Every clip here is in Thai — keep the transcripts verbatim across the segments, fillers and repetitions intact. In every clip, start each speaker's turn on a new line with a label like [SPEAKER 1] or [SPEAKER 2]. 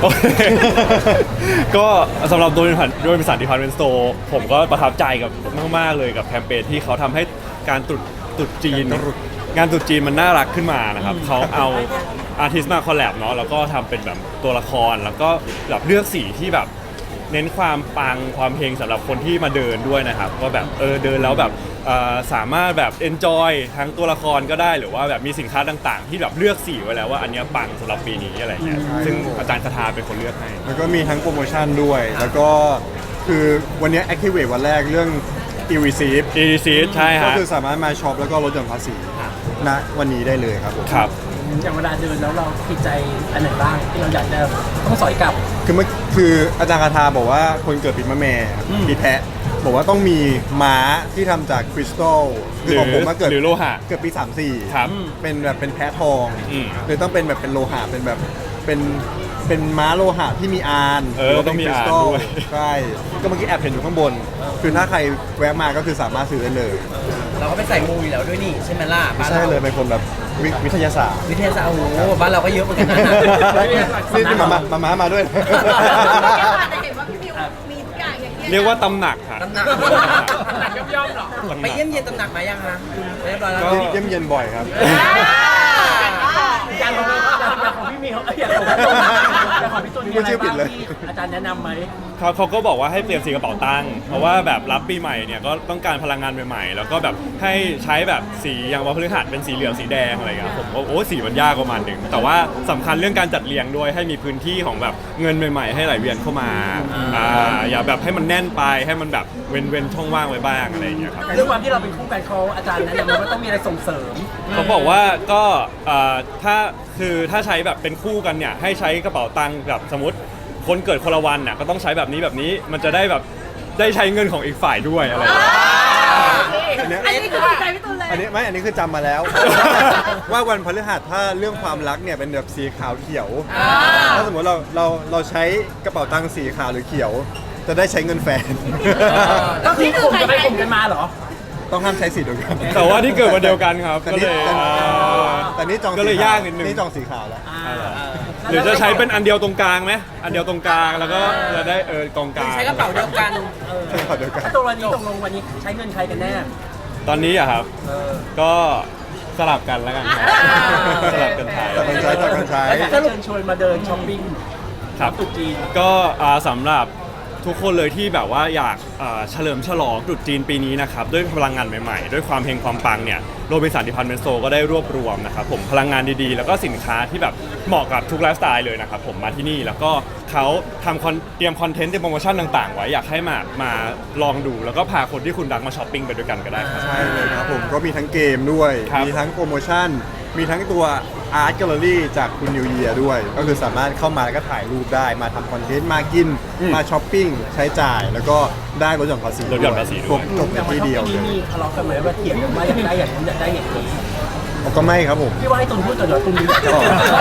[SPEAKER 1] ก็สำหรับโดยผ่านโดยบริษัทดิพาร์ตเมนต์สโตร์ผมก็ประทับใจกับมากๆเลยกับแคมเปญที่เขาทำให้การตรุษตรุษจีนงานตรุษจีนมันน่ารักขึ้นมานะครับเขาเอาอาร์ติสต์มาคอลแลบเนาะแล้วก็ทำเป็นแบบตัวละครแล้วก็แบบเลือกสีที่แบบเน้นความปังความเฮงสำหรับคนที่มาเดินด้วยนะครับก็แบบเออเดินแล้วแบบสามารถแบบ enjoy ทั้งตัวละครก็ได้หรือว่าแบบมีสินค้าต่างๆที่แบบเลือกสีไว้แล้วว่าอันนี้ปังสำหรับปีนี้อะไรเงี้ยซึ่งอาจารย์คาทาเป็นคนเลือกให้
[SPEAKER 2] แล้วก็มีทั้งโปรโมชั่นด้วยแล้วก็คือวันนี้ Activate วันแรกเรื่อง e-receipt
[SPEAKER 1] e-receipt ใช่ฮะ
[SPEAKER 2] ก็คือสามารถมาช็อปแล้วก็ลดหย่อนภาษีณวันนี้ได้เลยครับผม
[SPEAKER 1] ครับ
[SPEAKER 3] อย่างเวลาเดินแล้วเราติดใจอันไหนบ้างที่เราอยากจะต้องสอยกลับ
[SPEAKER 2] คือเมื่อคืออาจารย์คาทาบอกว่าคนเกิดปีมะแม่ปีแพะบอกว่าต้องมีม้าที่ทำจากคริสตัลคือของผมมาเกิด
[SPEAKER 1] หรือโลหะ
[SPEAKER 2] เกิดปีสามสี่
[SPEAKER 1] ครับ
[SPEAKER 2] เป็นแบบเป็นแพะทองเลยต้องเป็นแบบเป็นโลหะเป็นแบบเป็นเป็นม้าโลหะที่มีอาน
[SPEAKER 1] เออต้องมีอานด้วย
[SPEAKER 2] ใช่ก็เมื่อกี้แอบเห็นอยู่ข้างบนคือถ้าใครแวะมาก็คือสามารถซื้อได้เลย
[SPEAKER 4] เราก็ไปใส่มูอยู่แล้วด้วยนี่ใช่ไหมล่ะ
[SPEAKER 2] ใช่เลยเป็นคนแบบวิทยาศาสตร์
[SPEAKER 4] วิทยาศาสตร์โอ้โหบ้านเราก็เยอะเหมือนกันนะ
[SPEAKER 2] นี่มามามามาด้วย
[SPEAKER 5] แต่เห็นว่าพี่มิวมีทุกอย่างอย่างเงี้ย
[SPEAKER 1] เรียกว่าตำหนักค่ะ
[SPEAKER 4] ตำหนักย่อมๆหรอไปเยี่ยมเยียนตำหนักมายังคะเรียบร้อยแล้ว
[SPEAKER 2] เยี่ยมเยียนบ่อยครับ
[SPEAKER 3] อย่างของของพี่มิวอย่างของพี่ตุลอย่างของพี่ตุลมีอะไรบ้างที่อาจารย์แนะนำไหม
[SPEAKER 1] เขาเขาก็บอกว่าให้เปลี่ยนสีกระเป๋าตังค์เพราะว่าแบบรับปีใหม่เนี่ยก็ต้องการพลังงานใหม่ๆแล้วก็แบบให้ใช้แบบสีอย่างวันพฤหัสเป็นสีเหลืองสีแดงอะไรเงี้ยผมก็โอ้สีมันยากประมาณหนึ่งแต่ว่าสำคัญเรื่องการจัดเรียงด้วยให้มีพื้นที่ของแบบเงินใหม่ๆให้ไหลเวียนเข้ามาอ่าอย่าแบบให้มันแน่นไปให้มันแบบเว้นเว้นช่องว่างไว้บ้างอะไรอย่างเงี้ยครับ
[SPEAKER 3] ด้วยความที่เราเป็นคู่กันเขาอาจารย์แนะนำว่าต้องมีอะไรส่งเสริม
[SPEAKER 1] เขาบอกว่าก็ถ้าคือถ้าใช้แบบเป็นคู่กันเนี่ยให้ใช้กระเป๋าตังค์แบบสมมติคนเกิดคนละวันน่ะก็ต้องใช้แบบนี้แบบนี้มันจะได้แบบได้ใช้เงินของอีกฝ่ายด้วยอะไร
[SPEAKER 5] อันนี้คือใจพี่ตุลเลย
[SPEAKER 2] อันนี้ไม่อันนี้คือจำมาแล้วว่าวันพฤหัสถ้าเรื่องความรักเนี่ยเป็นแบบสีขาวเขียวถ้าสมมติเราเราเราใช้กระเป๋าตังค์สีขาวหรือเขียวจะได้ใช้เงินแฟน
[SPEAKER 3] ก็คือกลุ่มจะไปกลุ่มกันมาเหรอ
[SPEAKER 2] ต้องห้ามใช้สีเดียวกัน
[SPEAKER 1] แต่ว่าที่เกิดวันเดียวกันครับก็เลย
[SPEAKER 2] แต่นี่จอง
[SPEAKER 1] ก็เลยยากนิดนึง
[SPEAKER 2] นี่จองสีขาวแล้ว
[SPEAKER 1] หรือจะใช้เป็นอันเดียวตรงกลางไหมอันเดียวตรงกลางแล้วก็จะได้เออกองกลาง
[SPEAKER 4] ใช้กระเป๋าเดียวกัน
[SPEAKER 3] ถ้าตัววันนี้ตกลงวันนี้ใช้เงินใครกันแน่
[SPEAKER 1] ตอนนี้อะครับก็สลับกันแล้วกันสลับกันใช้
[SPEAKER 2] สลับกันใช้สลับกันใช้
[SPEAKER 3] ถ้าเชิญชวนมาเดินช้อปปิ้ง
[SPEAKER 1] ครับ
[SPEAKER 3] ตุ๊จีน
[SPEAKER 1] ก็สำหรับทุกคนเลยที่แบบว่าอยากเฉลิมฉลองตรุษจีนปีนี้นะครับด้วยพลังงานใหม่ๆด้วยความเฮงความปังเนี่ยโรบินสันดิพาร์ตเมนต์สโตร์ก็ได้รวบรวมนะครับผมพลังงานดีๆแล้วก็สินค้าที่แบบเหมาะกับทุกไลฟ์สไตล์เลยนะครับผมมาที่นี่แล้วก็เขาทำเตรียมคอนเทนต์เตรียมโปรโมชั่นต่างๆไว้อยากให้มามาลองดูแล้วก็พาคนที่คุณรักมาช้อปปิ้งไปด้วยกันก็ได้ครับ
[SPEAKER 2] ใช่เลยครับผมก็มีทั้งเกมด้วยมีทั้งโปรโมชั่นมีทั้งตัวอาร์ตแกลเลอรี่จากคุณนิวเยียร์ด้วยก็คือสามารถเข้ามาแล้วก็ถ่ายรูปได้มาทำคอนเทนต์มากินมาช้อปปิ้งใช้จ่ายแล้วก็ได้ลดหย่อนภาษี
[SPEAKER 1] ลดหย่อนภาษีด้วย
[SPEAKER 2] จบในที่เดียวเลย
[SPEAKER 3] มีทะเลาะกันไหมว่าเถียงกันว่าอยากได้อย่างนี้อยากได้อย่างนี้
[SPEAKER 2] ก็ไม่ครับผม
[SPEAKER 3] พี่ว่าให้ตุนพูดก่อนเดี๋ยวตุนดีกว่า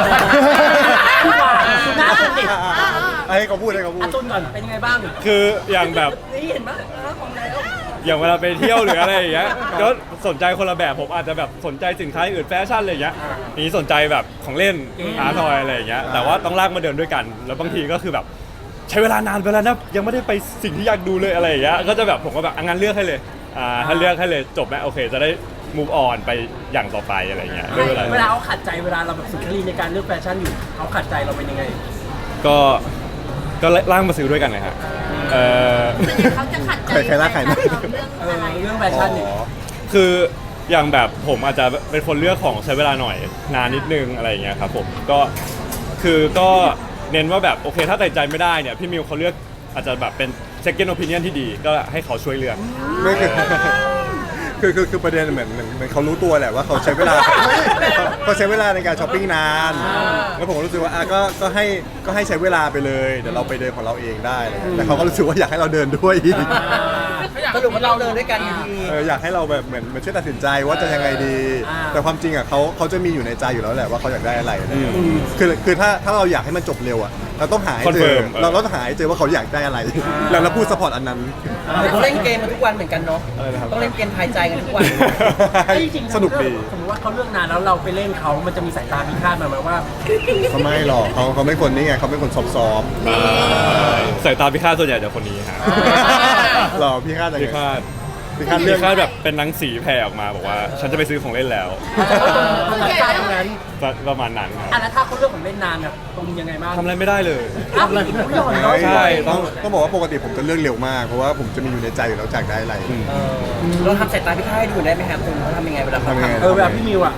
[SPEAKER 3] หน้าตุนดิ
[SPEAKER 2] ให้เขาพูดให้เขาพูด
[SPEAKER 3] ตุนก่อนเป็นยังไงบ้าง
[SPEAKER 1] คืออย่างแบบ
[SPEAKER 3] นี่เห็นไหมของแล้ว
[SPEAKER 1] อย่างเวลาไปเที่ยวหรืออะไรอย่างเงี้ยก็สนใจคนละแบบผมอาจจะแบบสนใจสินค้าอื่นแฟชั่นอะไรอย่างเงี้ยนี่สนใจแบบของเล่นอาร์ทอยอะไรอย่างเงี้ยแต่ว่าต้องลากมาเดินด้วยกันแล้วบางทีก็คือแบบใช้เวลานานไปแล้วนะยังไม่ได้ไปสิ่งที่อยากดูเลยอะไรอย่างเงี้ยก็จะแบบผมก็แบบงั้นเลือกให้เลยอ่าถ้าเลือกให้เลยจบไหมโอเคจะได้ move on ไปอย่างต่อไปอะไรเงี้ย
[SPEAKER 3] เวลาเวลาเขาขัดใจเวลาเราแบบสุนทรีในการเลือกแฟชั่นอยู่เขาขัดใจเราเป็นยังไง
[SPEAKER 1] ก็ก็ล่างมาซื้อด้วยกันเลยครับเออ
[SPEAKER 5] เขาจะขัดใจ
[SPEAKER 2] ใครล่าใครนะ
[SPEAKER 3] เรื่องแฟชั่นเนี่ย
[SPEAKER 1] คืออย่างแบบผมอาจจะเป็นคนเลือกของใช้เวลาหน่อยนานนิดนึงอะไรอย่างเงี้ยครับผมก็คือก็เน้นว่าแบบโอเคถ้าตัดใจไม่ได้เนี่ยพี่มิวเขาเลือกอาจจะแบบเป็น second opinion ที่ดีก็ให้เขาช่วยเลือก
[SPEAKER 2] ไม่คือคือคือประเด็นเหมือนเหมือนเขารู้ตัวแหละว่าเขาใช้เวลาเขาใช้เวลาในการช้อปปิ้งนานแล้วผมก็รู้สึกว่าอ่ะก็ก็ให้ก็ให้ใช้เวลาไปเลยเดี๋ยวเราไปเดินของเราเองได้แต่เขาก็รู้สึกว่าอยากให้เราเดินด้วยอีก
[SPEAKER 4] สรุปว่าเราเดินด้วยกันอยู่ดี
[SPEAKER 2] อยากให้เราแบบเหมือนเหมือนช่วยตัดสินใจว่าจะยังไงดีแต่ความจริงอ่ะเขาเขาจะมีอยู่ในใจอยู่แล้วแหละว่าเขาอยากได้อะไรคือคือถ้าถ้าเราอยากให้มันจบเร็วอ่ะเราต้องหาให้เจอ
[SPEAKER 1] Confirm
[SPEAKER 2] เราเราต้องหาให้เจอว่าเขาอยากได้อะไร แล้วเราพูดซัพพอร์ตอันนั้น
[SPEAKER 4] ต้องเล่นเกมมาทุกวันเหมือนกันเนาะ
[SPEAKER 2] อะไรนะครับ
[SPEAKER 4] ต้องเล่นเกมทายใจกันทุกวัน
[SPEAKER 3] ไอ้จริงๆ
[SPEAKER 2] สนุกดี
[SPEAKER 3] สมมติว่าเขาเลือกนานแล้วเราไปเล่นเขามันจะมีสายตาพิฆาตมาไหมว่า
[SPEAKER 2] เขาไม่หรอกเขาเขาไม่คนนี้ไงเขาเป็นคนซอฟต์
[SPEAKER 1] สายตาพิฆาตส่วนใหญ่จะคนนี้ฮะ
[SPEAKER 2] ๆหรอพี่คาดยัง
[SPEAKER 1] พิ
[SPEAKER 2] ไง
[SPEAKER 1] ฆาต
[SPEAKER 2] พี่คาด
[SPEAKER 1] พิ
[SPEAKER 2] เรื่อง
[SPEAKER 1] ฆาตแบบเป็นหนังสีแผ่ออกมาบอกว่า ฉันจะไปซื้อของเล่นแล้ว
[SPEAKER 3] มันสายตาตรงนั้น
[SPEAKER 1] ประมาณนั้นครับ
[SPEAKER 3] อ่ะแล้วถ้าเขาเลือกของเล่นนานอ่ะตรงยังไงบ้าง
[SPEAKER 1] ทำอะไรไม่ได้เลย
[SPEAKER 3] อ้าวเลยไม่ยอมเนาะ
[SPEAKER 1] ใช่
[SPEAKER 2] ต้องต้องบอกว่าปกติผมจะเลือกเร็วมาก เพราะว่าผมจะมีอยู่ในใจอยู่แล้วจากได้อะไร
[SPEAKER 4] เออเราทำสายตาพี่ค่ายให้ดูได้ไหมครับคุณเขาทำยังไงเวลาเขา
[SPEAKER 2] ทำยังไง
[SPEAKER 4] ทำ
[SPEAKER 3] เออแบบพี่มิวอ่ะ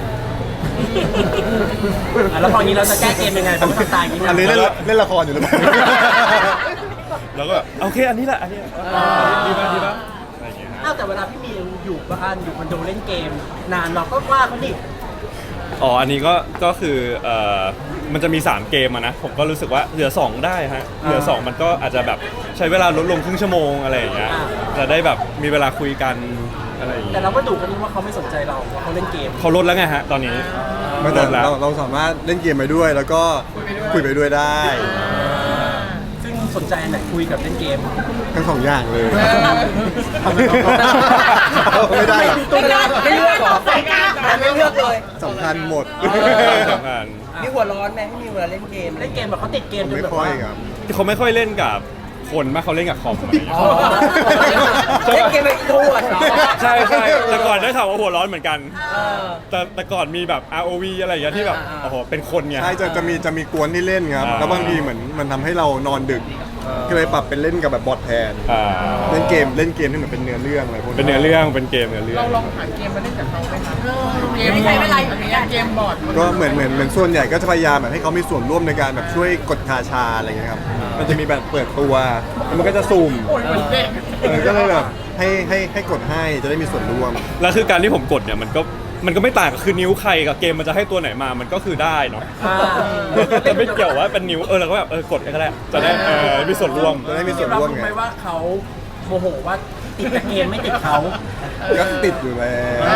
[SPEAKER 3] อ่ะแล้วพออย่างนี้เราจะแก้เกมยังไงเพราะมันตายอย่างนี้
[SPEAKER 2] อันนี้
[SPEAKER 3] นะ
[SPEAKER 2] เล่นเล่นละครอยู่หรือเปล่า
[SPEAKER 1] แล้วก็แบบโอเคอันนี้แหละอันนี้ดีป่ะดีป่ะอะไรอย่างเงี้ยฮะ
[SPEAKER 3] อ้าวแต่เวลาพี่มิวอยู่บ้านอยู่คอนโดเล่นเกม นานเราก็ว่าเขาดิ
[SPEAKER 1] อ๋ออันนี้ก็ก็คือเอ่อมันจะมีสามเกมอะนะผมก็รู้สึกว่าเหลือสองได้ฮะเหลือสองมันก็อาจจะแบบใช้เวลาลดลงครึ่งชั่วโมงอะไรอย่างเงี้ยจะได้แบบมีเวลาคุยกันอะไรอย่าง
[SPEAKER 3] แต่
[SPEAKER 1] เงี้ย
[SPEAKER 3] เราก็ดูกันนี่ว่าเขาไม่สนใจเราว่าเขาเล่นเกม
[SPEAKER 1] เขาลดแล้วไงฮะตอนนี้
[SPEAKER 2] ไม่
[SPEAKER 1] ล
[SPEAKER 2] แต่
[SPEAKER 1] ดแล้ว
[SPEAKER 2] เราเราสามารถเล่นเกมไปด้วย แล้วก็คุยไปด้วยได้
[SPEAKER 3] ซึ่งสนใจอันไหนคุยกับเล่นเกม
[SPEAKER 2] ทั้งสองอย่างเลยทำไมต้องไม่ได้หรอก
[SPEAKER 4] ไม่เลือกไม่เลือกหรอไม่เลือกเลย
[SPEAKER 2] สำคัญหมด
[SPEAKER 1] สำคัญ
[SPEAKER 4] มีหัวร้อนไหมพี่มีเวลาเล่นเกม
[SPEAKER 3] เล่นเกมแบบเขาติดเกมจน
[SPEAKER 2] ไม่
[SPEAKER 3] แบบ
[SPEAKER 2] ค่อ
[SPEAKER 3] ว่าย
[SPEAKER 2] ครับ
[SPEAKER 1] เขาไม่ค่อยเล่นกับคนมากเขาเล่นกับคอมอะไรอย่างเงี้ย
[SPEAKER 3] อ๋อ
[SPEAKER 4] เล่นเกมแบบอินโทรเวิร์ดเหรอ
[SPEAKER 1] ใช่ใช่แต่ก่อนได้ข่าวว่าหัวร้อนเหมือนกัน
[SPEAKER 4] เออ
[SPEAKER 1] แต่แต่ก่อนมีแบบ อาร์ โอ วี อะไรอย่างเงี้ยที่แบบ
[SPEAKER 4] อ่า
[SPEAKER 1] โอ้โหเป็นคนไง
[SPEAKER 2] ใช่จะจะมีจะมีกวนที่เล่นครับ
[SPEAKER 1] อ่า
[SPEAKER 2] แล้วบางทีเหมือนมันทำให้เรานอนดึก ก็เลยปรับเป็นเล่นกับแบบบอทแทน
[SPEAKER 1] อ่า
[SPEAKER 2] เล่นเกมเล่นเกมที่เหมือนเป็นเนื้อเรื่องอะไรพวกนี้
[SPEAKER 1] เป็นเนื้อเรื่องเป็นเกมเนื้อเรื่อง
[SPEAKER 5] เราลองหาเกมมาเล่นกับเขาไหมคะเกมไม่ใช้เวลาอยู่ในเกมบอร์ด
[SPEAKER 2] ก็เหมือนเหมือนเหมือนส่วนใหญ่ก็จะพยายามแบบให้เขามีส่วนร่วมในการแบบช่วยกดคาชาอะไรอย่างเงี้ยครับ มันจะมีแบบเปิดตัวแล้วมันก็จะสุ่ม
[SPEAKER 5] โอ้ยเหมือนเด็ก
[SPEAKER 2] เออก็เลยแบบให้ให้ให้กดให้จะได้มีส่วนร่วม
[SPEAKER 1] แล้วคือการที่ผมกดเนี่ยมันก็มันก็ไม่ต่างกับคือนิ้วใครกับเกมมันจะให้ตัวไหนมามันก็คือได้เนาะ
[SPEAKER 3] อ่า
[SPEAKER 1] จะไม่เกี่ยวว่าเป็นนิ้วเออเราก็แบบเออกดก็ได้จะได้เออมีส่วนร่วม
[SPEAKER 2] จะได้มีส่วน
[SPEAKER 3] เรา
[SPEAKER 2] ร่วม
[SPEAKER 3] รู้
[SPEAKER 2] ไง
[SPEAKER 3] ไหมว่าเขาโมโหว่าติดแต่เกมไม่ติดเขา
[SPEAKER 2] ก็ติดอยู่แล้ว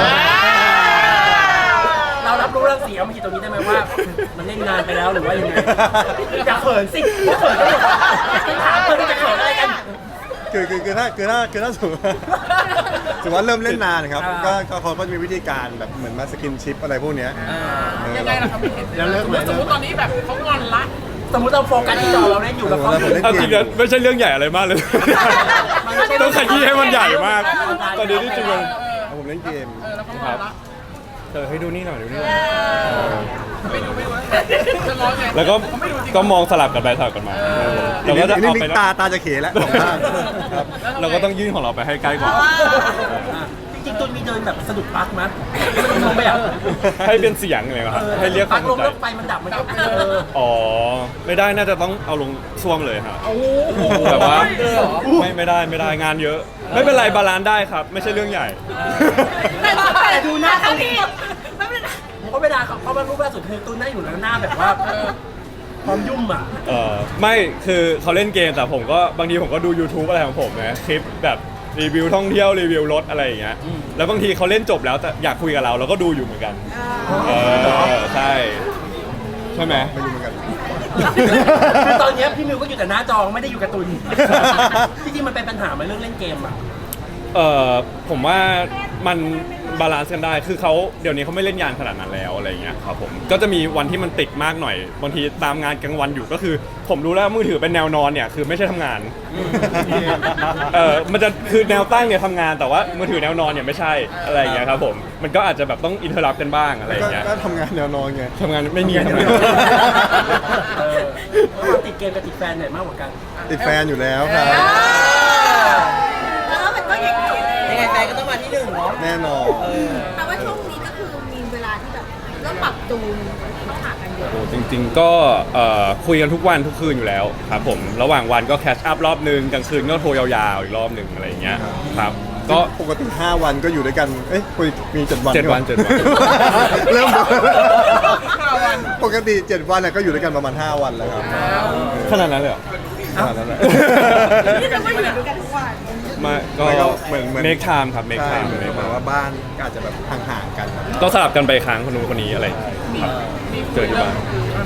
[SPEAKER 3] เรารับรู้เรื่องเสียงมันอยู่ตรงนี้ได้ไหมว่า มันเล่นนานไปแล้วหรือว่ายังไงอย่าเขินสิอย่าเขินกันเลยถามเพื่อนจะเขินอะไรกัน
[SPEAKER 2] คือคือคือถ้าคือถ้าคือถ้าสมมติว่าสมมติว่าเริ่มเล่นนานครับ
[SPEAKER 3] อ่า
[SPEAKER 2] ก็ก็เขาก็จะมีวิธีการแบบเหมือนมาสกินชิปอะไรพวกเนี้ยเออ
[SPEAKER 5] ยังไงล่ะครับพี่เห็น
[SPEAKER 2] แล้วเลิกไหม
[SPEAKER 5] สมมติตอนนี้แบบเขางอนละ
[SPEAKER 3] สมมติเราโฟกัสที่จอเราเล่นอยู่แล้วเขา
[SPEAKER 2] เออ
[SPEAKER 1] เอาจริงนะไม่ใช่เรื่องใหญ่อะไรมากเลย ต้องขยี้ให้มันใหญ่มาก ตอนนี้ที่จริงมัน
[SPEAKER 2] เอาผมเล่นเกม
[SPEAKER 5] เออแล้วเขางอนละ
[SPEAKER 1] เออให้ดูนี่หน่อยดูนี่หน่อย
[SPEAKER 5] ไม่ดูไม่ดูจะร้องไง
[SPEAKER 1] แล้วก็
[SPEAKER 5] เขาไม่ดูจริง
[SPEAKER 1] ก็มองสลับกันไปสลับกันมาเราก็จะ
[SPEAKER 2] นี่
[SPEAKER 1] เอา
[SPEAKER 2] นี่
[SPEAKER 1] ไป
[SPEAKER 2] ตาตาจะเขแล้วสองข้างครับ
[SPEAKER 1] เราก็ต้องยื่นของเราไปให้ใกล้กว่า
[SPEAKER 3] จริงๆตุนมีเดินแบบสะดุดปลั๊กมั้ยมันลงไปอ่ะ
[SPEAKER 1] ให้เป็นเสียงเลยครับให้เรียกค
[SPEAKER 3] ปลั๊
[SPEAKER 1] วาก ม
[SPEAKER 3] ล
[SPEAKER 1] ส
[SPEAKER 3] ง
[SPEAKER 1] นใจ
[SPEAKER 3] แล้วไฟมันดับมันก็เออ
[SPEAKER 1] อ๋อไม่ได้น่าจะต้องเอาลงซ่วมเลยครับ
[SPEAKER 3] โอ้โห
[SPEAKER 1] แบบว่า
[SPEAKER 4] เลยเหรอ
[SPEAKER 1] ไม่ไม่ได้ไม่ได้งานเยอะ ไม่เป็นไรบาลานซ์ได้ครับ ไม่ใช่เรื่องใหญ่
[SPEAKER 5] แต่แต่ดูหน้าเขาดีไม่เป็นไร
[SPEAKER 3] เพราะเวลาเขาเขามารูปล่าสุดคือตุนนั่งอยู่แล้วหน้าแบบว่าพร้อมยุ่มอ่ะ
[SPEAKER 1] เออไม่คือเขาเล่นเกมแต่ผมก็บางทีผมก็ดู YouTube อะไรของผมนะคลิปแบบรีวิวท่องเที่ยวรีวิวรถอะไรอย่างเงี้ยแล้วบางทีเขาเล่นจบแล้วแต่อยากคุยกับเราเราก็ดูอยู่เหมือนกันเออใช่ใช่ไหม
[SPEAKER 2] ไม่รู้เหมือนกัน
[SPEAKER 3] คือตอนเนี้ยพี่มิวก็อยู่แต่หน้าจอไม่ได้อยู่กับตุนจริงๆมันเป็นปัญหาไหมเรื่องเล่นเกมอ่ะ
[SPEAKER 1] เออผมว่ามันบาลานซ์กันได้คือเขาเดี๋ยวนี้เขาไม่เล่นยานขนาดนั้นแล้วอะไรอย่างเงี้ยครับผมก็จะมีวันที่มันติดมากหน่อยบางทีตามงานกลางวันอยู่ก็คือ ผมรู้แล้วมือถือเป็นแนวนอนเนี่ยคือไม่ใช่ทำงานเออมันจะคือแนวตั้งเนี่ยทำงานแต่ว่ามือถือแนวนอนเนี่ยไม่ใช่อะไรอย่างเงี้ยครับผมมันก็อาจจะแบบต้องอินเทอร์รับกันบ้างอะไรอ
[SPEAKER 2] ก็
[SPEAKER 1] ย่างเงี้ย
[SPEAKER 2] ก็ทำงานแนวนอนไง
[SPEAKER 1] ทำงานไม่มีทำงาน
[SPEAKER 3] เออระหว่างติดเกมกับติดแฟนไหนมากกว่ากัน
[SPEAKER 2] ติดแฟนอยู่แล้วครับ
[SPEAKER 5] แล้วมันก็อย่างนี้
[SPEAKER 4] ยังไงแฟนก็ต้องมาที่หนึ่งเนาะ
[SPEAKER 2] แน่นอน
[SPEAKER 5] แต่ว่าช่วงนี้ก็คือมีเวลาที่แบบเริ่มปรับจูนเข้าหากันเยอะ
[SPEAKER 1] โอ้จริงๆก็เอ่อคุยกันทุกวันทุกคืนอยู่แล้วครับผมระหว่างวันก็แคชอัพรอบนึงกลางคืนก็โทรยาวๆอีกรอบหนึ่งอะไรอย่างเงี้ยครับก็
[SPEAKER 2] ปกติห้าวันก็อยู่ด้วยกัน เอ้ยมีเจ็ดวัน
[SPEAKER 1] เจ็ดวัน
[SPEAKER 2] ใช่
[SPEAKER 1] เจ็ด
[SPEAKER 2] ไหม
[SPEAKER 1] วัน
[SPEAKER 2] เริ่ม
[SPEAKER 5] ห้าวัน
[SPEAKER 2] ปกติเจ็ดวันน่ะก็อยู่ด้วยกันประมาณห้าวันแล้วครับ
[SPEAKER 1] ขนาดนั้นเลยเหรอ
[SPEAKER 2] ขนาดนั้นแหละ
[SPEAKER 5] นี่จะไม่อยู่ด้วยกันทุกวัน
[SPEAKER 2] ไ
[SPEAKER 1] มาก็
[SPEAKER 2] แล้วก็เหมือนเหมือน
[SPEAKER 1] make time ครับ make
[SPEAKER 2] ใช่
[SPEAKER 1] time
[SPEAKER 2] เหมือนแบบว่าบ้านก็อาจจะแบบห่างๆกันครับ
[SPEAKER 1] ก็สลับกันไปค้างคนนู้นคนนี้อะไรครับเจอที่บ้าน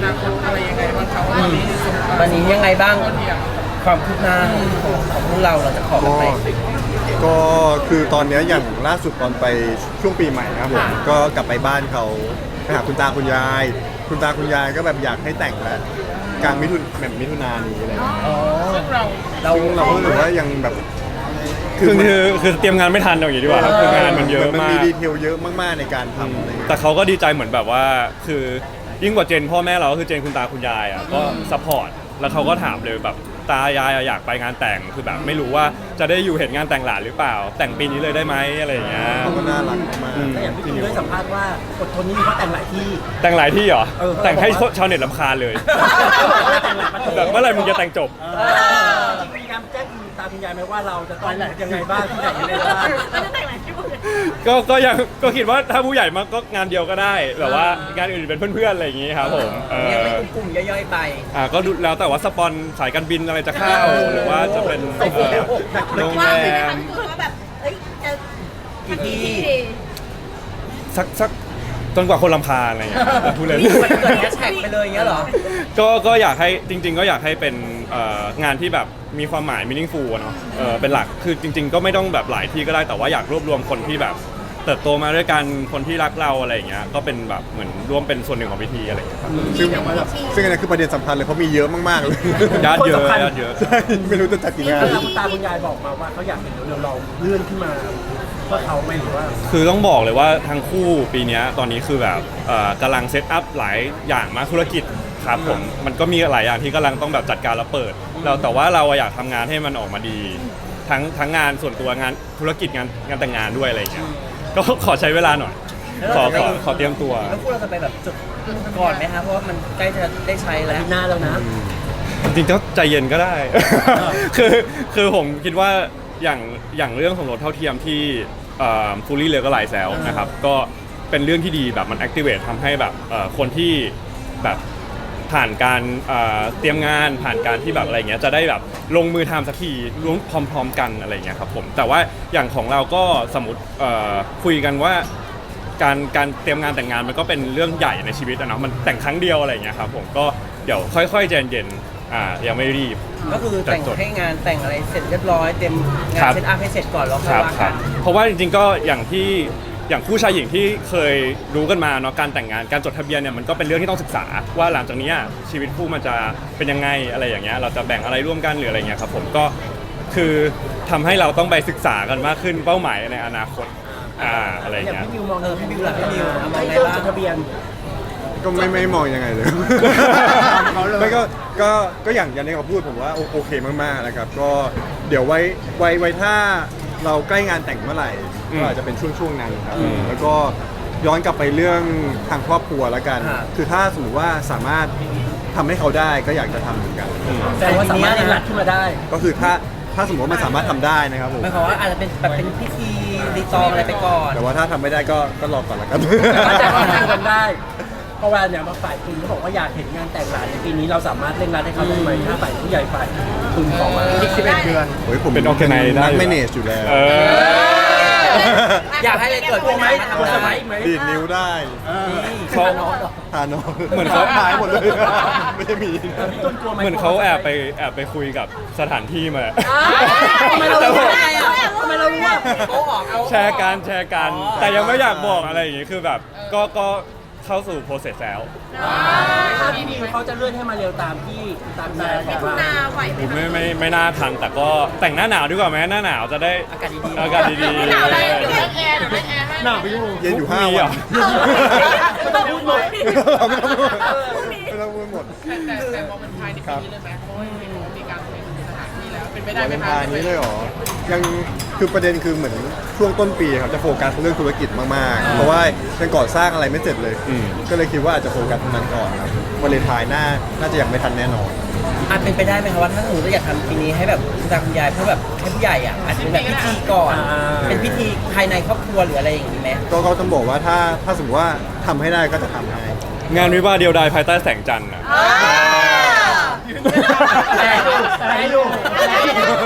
[SPEAKER 4] วันนี้ยังไงบ้างความคืบหน้าของของพวกเราเราจะขอกัน
[SPEAKER 2] ก็
[SPEAKER 4] ไป
[SPEAKER 2] ก็คือตอนเนี้ยอย่างล่าสุดตอนไปช่วงปีใหม่นะครับผมก็กลับไปบ้านเขาไปหาคุณตาคุณยาย คุณตาคุณยายก็แบบอยากให้แต่งแล้วกลางมิถุนแบบมิถุนายนนี้อะไรอย่างเลย
[SPEAKER 4] อ๋อเรา
[SPEAKER 2] ซึ่งเราก็รู้สึกว่ายังแบบ
[SPEAKER 1] คือคือคือเตรียมงานไม่ทันอย่างนี้ดีกว่าครับคืองานมันเยอะ
[SPEAKER 2] มัน
[SPEAKER 1] มา
[SPEAKER 2] มี
[SPEAKER 1] ก
[SPEAKER 2] ดีเทลเยอะมากๆในการทำอะไรอย่างเงี้ย
[SPEAKER 1] แต่เขาก็ดีใจเหมือนแบบว่าคือยิ่งกว่าเจนพ่อแม่เราก็คือเจนคุณตาคุณยายอ่ะก็ซัพพอร์ตแล้วเขาก็ถามเลยแบบตายายอยากไปงานแต่งคือแบบไม่รู้ว่าจะได้อยู่เห็นงานแต่งหลานหรือเปล่า แต่งปีนี้เลยได้ไหมอะไรอย่างเงี้ย
[SPEAKER 2] เขาก็น่ารักมาก
[SPEAKER 1] อืม
[SPEAKER 3] แต่อย่างพี่ตูนได้สัมภาษณ์ว่าอดทนนี่มีเขาแต่งหลายที่
[SPEAKER 1] แต่งหลายที่เหรอ
[SPEAKER 3] เออ
[SPEAKER 1] แต่งให้ชาวเน็ตรำคาญเลย
[SPEAKER 3] แต่งหลายประเทศ
[SPEAKER 1] แบบเมื่อไหร่มึงจะแต่งจบ
[SPEAKER 3] เออมีการแจ้งคุณตาคุณยายไหมว่าเราจะต้องยังไงบ้างที่ไหนยังไงบ้าง
[SPEAKER 5] เราจะแต่งหลายที่หมดเลย
[SPEAKER 1] ก็ก็ยังก็คิดว่าถ้าผู้ใหญ่มาก็งานเดียวก็ได้แบบว่างานอื่นเป็นเพื่อนๆอะไรอย่างงี้ครับผมเอ
[SPEAKER 4] ยัง
[SPEAKER 1] อ
[SPEAKER 4] ไม่กลุ่มๆย่อยๆไป
[SPEAKER 1] อ่าก็ดูแล้วแต่ว่าสปอนสายการบินอะไรจะเข้าหรือว่าจะเป็นเอ่อโรง
[SPEAKER 5] ว่า
[SPEAKER 1] แร
[SPEAKER 5] ไปไหมคะ
[SPEAKER 1] ม
[SPEAKER 5] พี่ตูนว่าแบบเอ้ยจะทำกี่ที่
[SPEAKER 1] สักสักจนกว่าคนลำคาญอะไรอย่างเงี้ยพูดเล่น
[SPEAKER 4] นี่มันเกิดแฮชแท็กไปเลยอย่างเงี้ยเหรอ
[SPEAKER 1] ก็ก็อยากให้จริง ๆ ก็อยากให้เป็นเอ่องานที่แบบมีความหมาย meaningful อะเนาะเออเป็นหลักคือจริง ๆ ก็ไม่ต้องแบบหลายที่ก็ได้แต่ว่าอยากรวบรวมคนที่แบบเติบโตมาด้วยกันคนที่รักเราอะไรอย่างเงี้ยก็เป็นแบบเหมือนร่วมเป็นส่วนหนึ่งของพิธีอะไรอย่างเงี้ยครับ
[SPEAKER 2] ซึ่งซึ่งอันนี้คือประเด็นสำคัญเลยเพราะมีเยอะมากๆเลย
[SPEAKER 1] ญาติเยอะ
[SPEAKER 3] คนสำคัญ
[SPEAKER 1] ญาติเยอะ
[SPEAKER 2] ใช่ไม่รู้จะจัดกี่งาน
[SPEAKER 3] แล้วคุณตาคุณยายบอกมาว่าเขาอยากเห็นเร็วๆเราเลื่อนขึ้นมาเพื่อเขาไหมหรือว่า
[SPEAKER 1] คือต้องบอกเลยว่าทั้งคู่ปีเนี้ยตอนนี้คือแบบเอ่อกำลังเซตอัพหลายอย่างมากธุรกิจครับผมมันก็มีหลายอย่างที่กำลังต้องแบบจัดการแล้วเปิดเราแต่ว่าเราอะอยากทำงานให้มันออกมาดี ทั้งทั้งงานส่วนตัวงานธุรกิจงานงานแต่งงานด้วยอะไรอย่างเงี้ยก็ขอใช้เวลาหน่อย ขอขอขอเตรียมตัว
[SPEAKER 4] แล้วพวกเราจะไปแบบจุดก่อนไหมคะเพราะว่ามันใกล้จะได้ใช้แล้ว
[SPEAKER 3] ปีหน้าแล้วนะ
[SPEAKER 1] จริงๆก็ใจเย็นก็ได้ คือคือผมคิดว่าอย่างอย่างเรื่องของรถเท่าเทียมที่ฟูลี่เลยก็หลายแซวนะครับก็เป็นเรื่องที่ดีแบบมัน activate ทำให้แบบเอ่อคนที่แบบผ่านการเอ่อเตรียมงานผ่านการที่แบบอะไรเงี้ยจะได้แบบลงมือทำสักทีร่วมพร้อมๆกันอะไรเงี้ยครับผมแต่ว่าอย่างของเราก็สมมติเอ่อคุยกันว่าการการเตรียมงานแต่งงานมันก็เป็นเรื่องใหญ่ในชีวิตอะเนาะมันแต่งครั้งเดียวอะไรเงี้ยครับผมก็เดี๋ยวค่อยๆใจเย็นๆอ่ายังไม่รีบ
[SPEAKER 4] ก็คือแต่งให้งานแต่งอะไรเสร็จเรียบร้อยเต็มงา
[SPEAKER 1] ครั
[SPEAKER 4] น
[SPEAKER 1] บ
[SPEAKER 4] เซตอัพให้เสร็จก่อนแล้วค่
[SPEAKER 1] ค
[SPEAKER 4] อย
[SPEAKER 1] รับ
[SPEAKER 4] ว่า
[SPEAKER 1] ค
[SPEAKER 4] กั
[SPEAKER 1] รับ
[SPEAKER 4] น
[SPEAKER 1] เพราะว่าจริงๆก็อย่างที่อย่างคู่ชายหญิงที่เคยรู้กันมาเนาะการแต่งงานการจดทะเบียนเนี่ยมันก็เป็นเรื่องที่ต้องศึกษาว่าหลังจากเนี้ยชีวิตคู่มันจะเป็นยังไงอะไรอย่างเงี้ยเราจะแบ่งอะไรร่วมกันหรืออะไรเงี้ยครับผมก็คือทำให้เราต้องไปศึกษากันมากขึ้นเป้าหมายในอนาคตอ่าอะไรอย่าง
[SPEAKER 3] อย่าง
[SPEAKER 1] เงี้ย
[SPEAKER 3] พี่มิวมอง
[SPEAKER 4] เออพี่บิวล่ะพี่บิวเอามอง
[SPEAKER 3] ให้
[SPEAKER 4] ไง
[SPEAKER 3] เริ่ม
[SPEAKER 4] บ้าง
[SPEAKER 3] จดทะเบียน
[SPEAKER 2] ก็ไม่ไม่มองยังไงเลย ไม่ก็ก็ก็อย่างอย่างที่เขาพูดผมว่าโอโอเคมากๆนะครับ ก็เดี๋ยวไว้ไว้ไว้ถ้าเราใกล้งานแต่งเมื่อไหร่
[SPEAKER 1] อืม
[SPEAKER 2] ก็อาจจะเป็นช่วงช่วงๆนั้นครับ
[SPEAKER 1] อืม
[SPEAKER 2] แล้วก็ย้อนกลับไปเรื่องทางครอบครัวแล้วกัน
[SPEAKER 4] ครับ
[SPEAKER 2] คือถ้าสมมติว่าสามารถทำให้เขาได้ก็อยากจะทำเหมือนกัน
[SPEAKER 1] อืม
[SPEAKER 3] แต่ว่าสามารถเล่นรัดขึ้นมาได้
[SPEAKER 2] ก็คือถ้าถ้าสมมติว่ามันสามารถทำได้นะครับผม
[SPEAKER 4] หมายความว่าอาจจะเป็นแบบเป็นพิธีรีตองอะไรไปก่อน
[SPEAKER 2] แต่ว่าถ้าทำไม่ได้ก็ก็รอก่อนละกัน
[SPEAKER 3] แต่ว่าจะทำกันได้เพราะว่าเนี่ยมาฝ่ายคุณเขาบอกว่าอยากเห็นงานแต่งหลานในปีนี้เราสามารถเร่งรัดให้เขาได้ไหมถ้าฝ่ายผู้ใหญ่ฝ่ายคุณขอมาอีกสิบเอ็ดเดือน
[SPEAKER 2] โอ้ยผม
[SPEAKER 1] เป็น organize ได้
[SPEAKER 2] นัก
[SPEAKER 1] อยู่
[SPEAKER 2] แมเนจอยู่แล้ว
[SPEAKER 1] เออ
[SPEAKER 4] อยากให้อะไรเกิด
[SPEAKER 3] กลั
[SPEAKER 4] ขึ้
[SPEAKER 3] วน ไหม
[SPEAKER 4] นะ
[SPEAKER 3] กลัวสมัยอีกไหม
[SPEAKER 2] ดีดนิ้วได้
[SPEAKER 1] เขา
[SPEAKER 2] ทานอ
[SPEAKER 1] เหมือนเขา
[SPEAKER 2] หายหมดเลย ไม่ได้มี
[SPEAKER 3] พี่ต้นกลัวไหม
[SPEAKER 1] เหมือนเขาแอบไปแอบไปคุยกับสถานที่มา
[SPEAKER 3] ทำไมเรารู้
[SPEAKER 1] แต่
[SPEAKER 3] ได้
[SPEAKER 1] ว่า
[SPEAKER 3] อะทำไมเรารู้ว่า
[SPEAKER 4] เขาออกเอา
[SPEAKER 1] แชร์กันแชร์กัน
[SPEAKER 4] อ๋อ
[SPEAKER 1] แต่ยังไม่อยากบอกอะไรอย่างงี้คือแบบก็ก็เข้าสู่ process แล้ว
[SPEAKER 3] ถ้าพี่มิวเขาจะเลื่อนให้มาเร็วตามที่ตามใจ
[SPEAKER 5] มิถุนาไหวไหม
[SPEAKER 1] ไม่ไม่ไม่น่าทันแต่ก็แต่งหน้าหนาวดีกว่าไหมหน้าหนาวจะได้
[SPEAKER 4] อากาศดีๆ
[SPEAKER 1] อากาศดีๆ
[SPEAKER 5] หนาวได้เดี๋ยวเล่นแอร์เดี๋ยวเล่นแอร์ให้
[SPEAKER 3] หนาวไปอยู่
[SPEAKER 2] เย็นอยู่ห้า
[SPEAKER 1] มี
[SPEAKER 2] วั
[SPEAKER 1] เหร
[SPEAKER 2] น
[SPEAKER 1] อ
[SPEAKER 3] ไม่ต้องพูดหมด
[SPEAKER 2] เราไม่ต้องพูดไม่ต้องพูดหมด
[SPEAKER 6] แต่แต่มองเป็นภายในปีนี้เลยไหมเพราะว่าเห็นว่ามีการเปลี่ยนสถานที่แล้ว เป็นไปได้ไหม
[SPEAKER 2] วัน
[SPEAKER 6] คะ
[SPEAKER 2] ทายนี้เลยเหรอ ยังคือประเด็นคือเหมือนช่วงต้นปีครับจะโฟกัสเรื่องธุรกิจมากๆ เพราะว่ายังก่อสร้างอะไรไม่เสร็จเลย
[SPEAKER 1] อืม
[SPEAKER 2] ก็เลยคิดว่าอาจจะโฟกัสตรงนั้นก่อนครับวันเลนไทายน่าน่าจะยังไม่ทันแน่นอน
[SPEAKER 4] อาจเป็นไปได้ไหมคะว่าถ้าสมมติเราอยากทำปีนี้ให้แบบคุณตาคุณยายเพื่อแบบให้ผู้ใหญ่อ่ะอาจจะเป็นแบบพิธีก่อน เป็นพิธีภายในครอบครัวหรืออะไรอย่างนี้ไหม
[SPEAKER 2] ก็ก็ต้องบอกว่าถ้าถ้าสมมติว่าทำให้ได้ก็จะทำให้
[SPEAKER 1] งานวิวาห์เดียวดายภายใต้แสงจันทร์อะ
[SPEAKER 3] แปะดูแปะดูแปะดู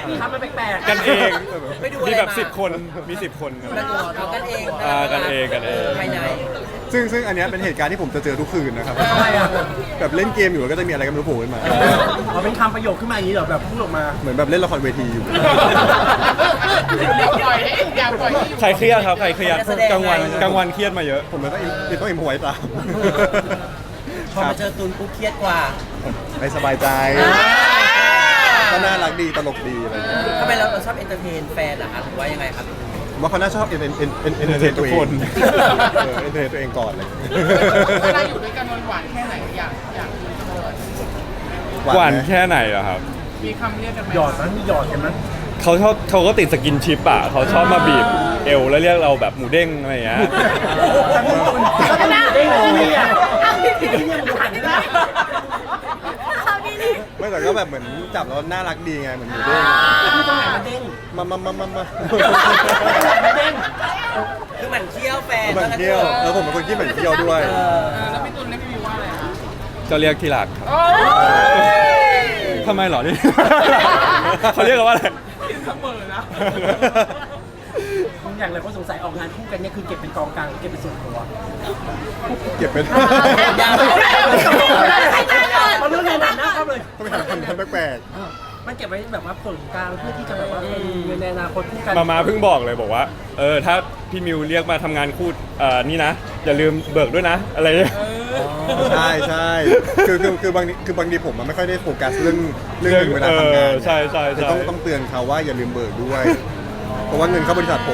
[SPEAKER 3] ทำมาแปลกๆ
[SPEAKER 1] กันเอง
[SPEAKER 4] ไปดูอะไร
[SPEAKER 1] มีแบบ
[SPEAKER 4] มา
[SPEAKER 1] สิบคนมีสิบคนครับ
[SPEAKER 4] กันเอากันเอง
[SPEAKER 1] อ่ากันเองกันเอง
[SPEAKER 4] ภายใน
[SPEAKER 2] ซึ่งซึ่งอันเนี้ยเป็นเหตุการณ์ที่ผมจะเจอทุกคืนนะครับ
[SPEAKER 3] ทำไมอ่ะ
[SPEAKER 2] แบบเล่นเกมอยู่แล้วก็จะมีอะไรก็ไม่รู้โผล่ขึ้นมา
[SPEAKER 3] เอาเป็นคำประโยคขึ้นมาอย่างนี้เหรอแบบพูดออกมา
[SPEAKER 2] เหมือนแบบเล่นละครเวทีอยู่
[SPEAKER 6] อย่าปล่อยให้อย่าปล่อยให้อยู่
[SPEAKER 1] ใครเครียดครับใครเครียดกลางวันกลางวันเครียดมาเยอะ
[SPEAKER 2] ผมเลยต้องอิมต้องอิมพไว้ตาม
[SPEAKER 4] พอมาเจอตุนปุ๊บเครียดกว่า
[SPEAKER 2] ไม่สบายใจ ก็น่ารักดีตลกดีอะไรอย่างเงี้ย
[SPEAKER 4] ทำไมเราเราชอบเอนเตอร์เทนแฟนเหรอคะหรือว่ายังไงครับ
[SPEAKER 2] ผมว่าเขาน่าชอบเอ็นเอ็นเอ็นเอ็นเอ็นเตอร์เทนตัวเอง
[SPEAKER 1] ทุกคน
[SPEAKER 2] เออเอ็นเตอร์เทนตัวเองก่อนเลย
[SPEAKER 6] เวลาอยู่ด้วยกันมันหวานแค่ไหนอยากอยากรู้จังเลย
[SPEAKER 1] หวาน
[SPEAKER 2] ไหม
[SPEAKER 1] แค่ไหนเหรอครับ
[SPEAKER 6] มีคำเรียกกันไหม
[SPEAKER 3] หยอดนั้นมีหยอดกันนั้น
[SPEAKER 1] เขาชอบเขาก็ติดสกินชิปอ่ะเขาชอบมาบีบเอวแล้วเรียกเราแบบหมูเด้งอะไรอย่างเงี้ย
[SPEAKER 3] แล้วก็มีเด้งที่นี่อ่ะที่นี่มันหันได้
[SPEAKER 5] เอาดีดิ
[SPEAKER 2] ไม่แต่ก็แบบเหมือนจับแล้วน่ารักดีไงเหมือนหมูเด้ง
[SPEAKER 3] ที่ตรงไหนมันเด้ง
[SPEAKER 2] มามามามามา
[SPEAKER 3] มันเด้ง
[SPEAKER 4] คือหมันเที่ยวแฟน
[SPEAKER 2] เหมือนเที่ยวแล้วผมเป็นคนที่เหมือนเที่ยวด้วย
[SPEAKER 4] เออ
[SPEAKER 6] เออแล้วพี่ตุลเรียกพี่วิวว่าอะไรคะ
[SPEAKER 1] ก็เรียกที่รักครับ
[SPEAKER 6] โอ้ย
[SPEAKER 1] ทำไมเหรอนี่ เขาเรียกกันว่าอะไร
[SPEAKER 6] ผิดเสมอนะ
[SPEAKER 3] อย่างไรก็สงสัยออกงานคู่กันเนี่ยคือเก็บเป็นกองกลางเก็บเป็นส่วนตัว
[SPEAKER 2] เก็บเป็น
[SPEAKER 4] ยาว
[SPEAKER 3] เอาเรื่องงานหนักนะครับเลย
[SPEAKER 2] ต้องไปหาคำทำแปลก
[SPEAKER 3] มันเก็บไว้แบบว่าส่วนกลางเพื่อที่จะแบบว่าเป็นเงินในอนาคตคู่กัน
[SPEAKER 1] มามาเพิ่งบอกเลยบอกว่า เออถ้าพี่มิวเรียกมาทำงานคู่เอ่อนี่นะ อย่าลืมเบิกด้วยนะ อะไรเงี้ย
[SPEAKER 2] ๆใช่ใช่คือคือคือบางทีคือบางทีผมมันไม่ค่อยได้โฟกัสเรื่องเรื่องเงินเวลาทำงาน
[SPEAKER 1] เออใช่ใช่ใช่
[SPEAKER 2] แต่ต้องต้องเตือนเขาว่าอย่าลืมเบิกด้วย เพราะว่าเงินเข้าบริษัทผม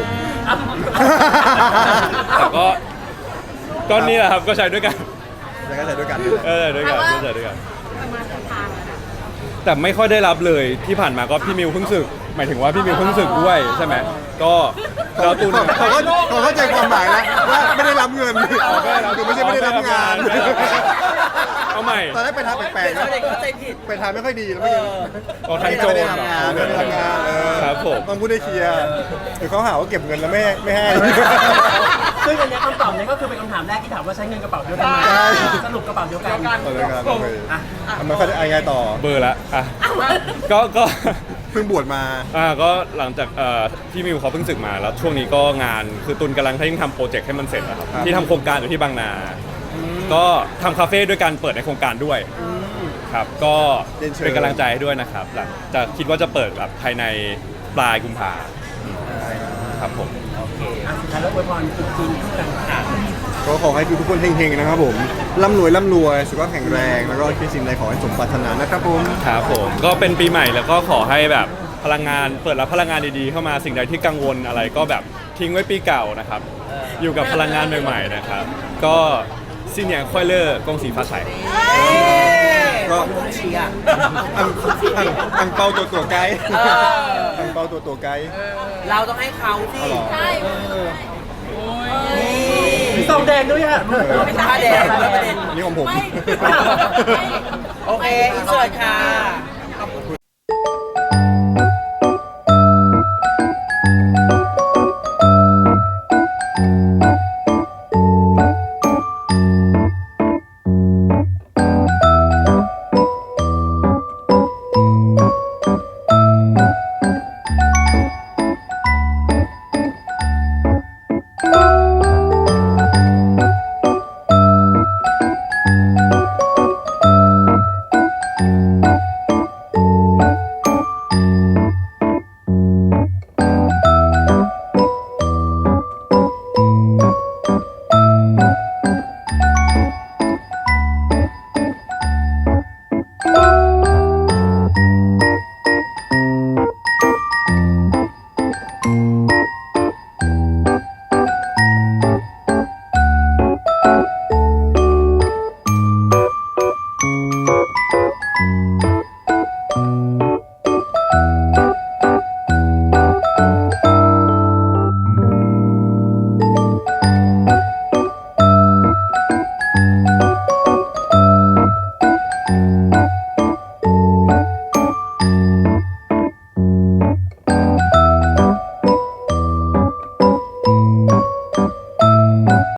[SPEAKER 1] แต่ก็ก็นี่แหละครับก็ใช้ด้วยกัน
[SPEAKER 2] แล้วก็ใช้ด้วยกัน
[SPEAKER 1] เออด้วยกันก็ใช้ด้วยกัน
[SPEAKER 5] ประมาณทางแล้วนะ
[SPEAKER 1] แต่ไม่ค่อยได้รับเลยที่ผ่านมาก็พี่มิวเพิ่งสึก หมายถึงว่าพี่มิวเพิ่งสึกด้วยใช่ไหมก็เราตุน
[SPEAKER 2] เขาก็เขาเข้าใจความหมายแล้วว่าไม่ได้รับเงินคือไม่ใช่ไม่ได้รับงาน
[SPEAKER 1] เอาใหม่
[SPEAKER 2] ตอนแรกไปทางแปลกๆ
[SPEAKER 4] เขา
[SPEAKER 2] นะ
[SPEAKER 4] เด็กเข้าใจผิด
[SPEAKER 2] ไปทางไม่ค่อยดีแล้วไม่
[SPEAKER 4] เอ
[SPEAKER 2] ยัง
[SPEAKER 4] อ
[SPEAKER 1] เอาทางโจ
[SPEAKER 2] ไม่
[SPEAKER 1] ร
[SPEAKER 2] ได้ทำงานไม่ได้ทำงานเออ
[SPEAKER 1] ครับผม
[SPEAKER 2] ต้องพูดได้เคลียร์เดี๋ยวเขาหาว่าเก็บเงินแล้วไม่ให้ไม่ให้
[SPEAKER 3] ซึ่งอันเนี้ยคำตอบเนี้ยก็คือเป็นคำถามแรกที่ถามว่าใช้เงินกระเป๋าเดียวกันไหม
[SPEAKER 2] ใช่
[SPEAKER 3] สรุปกระเป๋าเดียวกัน
[SPEAKER 2] เอาเลยครับเอาเลย
[SPEAKER 3] อ่ะ
[SPEAKER 2] ทำไมเขาจะอะไรไงต่อ
[SPEAKER 1] เบอร์ละอ่ะก็ก็
[SPEAKER 2] เพิ่งบวชมา
[SPEAKER 1] อ่าก็หลังจากเอ่อพี่มิวเขาเพิ่งศึกมาแล้วช่วงนี้ก็งานคือตุนกำลังให้ทำโปรเจกต์ให้มันเสร็จนะครับ
[SPEAKER 2] ครับ
[SPEAKER 1] ที่ทำโครงการอยู่ที่บางนา ก็ทำคาเฟ่ด้วยการเปิดในโครงการด้วยครับก็
[SPEAKER 2] เรียนเชิญ
[SPEAKER 1] เป็นกำลังใจให้ด้วยนะครับหลังจะคิดว่าจะเปิดแบบภายในปลายกุมภาครับผม
[SPEAKER 3] อ่ะสุดท้ายแล้วอวยพรจุดจีนคู่กันค่ะ
[SPEAKER 2] ก็ขอให้ทุกคนเฮงๆนะครับผมร่ำรวยร่ำรวยสุขภาพแข็งแรงแล้วก็คิดสิ่งใดขอให้สมปรารถนานะครับผม
[SPEAKER 1] ครับผมก็เป็นปีใหม่แล้วก็ขอให้แบบพลังงานเปิดรับพลังงานดีๆเข้ามาสิ่งใดที่กังวลอะไรก็แบบทิ้งไว้ปีเก่านะครับ อยู่กับพลังงานใหม่ๆนะครับ ก็ซินเนียงควายเลอร์กงสีฟ้าใส
[SPEAKER 2] ก็
[SPEAKER 4] ผมเชียร์
[SPEAKER 2] อังอังอังเปาตัวตัวไกด์
[SPEAKER 4] เออ
[SPEAKER 2] อังเปาตัวตัวไกด์
[SPEAKER 4] เราต้องให้เขาสิ
[SPEAKER 2] เอาเหรอ
[SPEAKER 5] ใช่
[SPEAKER 4] นี่
[SPEAKER 3] มีซองแดงด้วยอ่ะ
[SPEAKER 4] เป็นผ้าแดงด้วยประเด็น
[SPEAKER 2] อันนี้ของผม
[SPEAKER 5] ไม่ไม่
[SPEAKER 4] โอเคอินเสิร์ตค่ะ